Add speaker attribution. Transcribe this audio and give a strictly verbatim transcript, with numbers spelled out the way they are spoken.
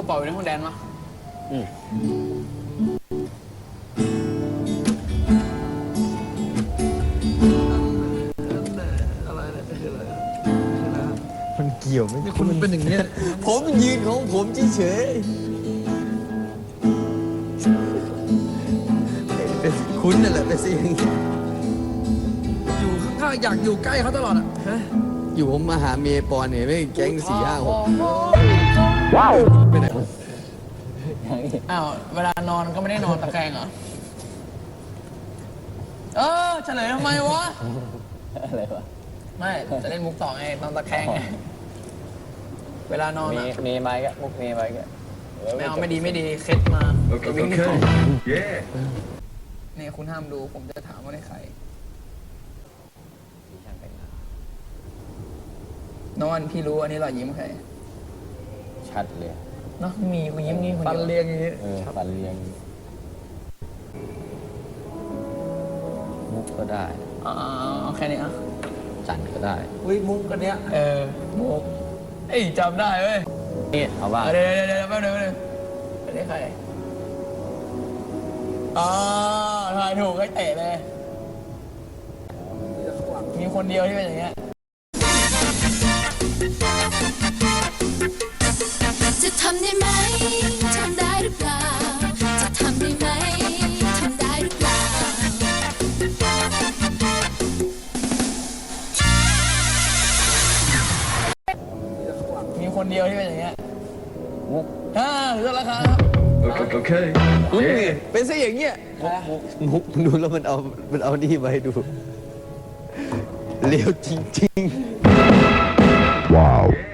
Speaker 1: ระเป๋าอยู่ในห้องแดนมา
Speaker 2: อืม
Speaker 3: มันเกี่ยวไหมคุณเป็นอย่างนี้
Speaker 2: ผมยืนของผมเฉยๆคุณนั่นแหละเป็นสิ่ง
Speaker 3: อยู่ข้างๆอยากอยู่ใกล้เขาตลอดอ่ะฮะ
Speaker 2: อยู่ผมมาหาเมย์ปอนเนี่ยไม่แก๊งสี่ห้าหก
Speaker 3: ไปไหน
Speaker 1: อ้าวเวลานอนก็ไม่ได้นอนตะแคงเหรอเออเฉลยทำไมวะ
Speaker 4: อะไรวะ
Speaker 1: ไม่จะเล่นมุกต่อไงนอนตะแคงไงเวลานอน
Speaker 4: มี
Speaker 1: อ่ะ
Speaker 4: มีไม้ก็มุกมีไม้ก็
Speaker 1: ไม่เอาไม่ดีไม่ดีเคล็ดมา
Speaker 5: โอเคโอเคเย้
Speaker 1: เนี่ยคุณห้ามดูผมจะถามว่าในใครนอนพี่รู้อันนี้รอยยิ้มใคร
Speaker 4: ชัดเลย
Speaker 1: เนาะมีคุณยิ้มนี่คน
Speaker 3: ฟัน
Speaker 1: เดียว
Speaker 3: เรียงอย่างนี้
Speaker 4: เออฟันเรียงมุกก็ได้
Speaker 1: อ่าเอาแค่นี้อ่ะ
Speaker 4: จันก็ได้
Speaker 3: อุ้ยมุกกันเนี้ย
Speaker 1: เออมุกเอ้ยจำได้เว้ย
Speaker 4: นี่เอาว่า
Speaker 1: เดี๋ยวเดี๋ยวเดี๋ยวแป๊บนึงแป๊บนึงอันนี้ใครอ๋อถ่ายถูกให้เตะเลยมีคนเดียวที่เป็นอย่างเงี้ย
Speaker 6: จะทำได้ไหมทำได้หรือเปล่าจะทำได้ไหมทำได้หรือเปล่า
Speaker 1: มีคนเดียวที่เป็นอย่างเงี้ย
Speaker 4: มุก
Speaker 1: อ่าเลือกราคาครับ
Speaker 5: โอเคโอเค
Speaker 2: คุณ
Speaker 5: เย้
Speaker 2: นี่เป็นซะอย่างเงี้ยมุกดูแล้วมันเอามันเอานี่มาให้ดูเลี้ยวจริงๆ
Speaker 5: ว้าว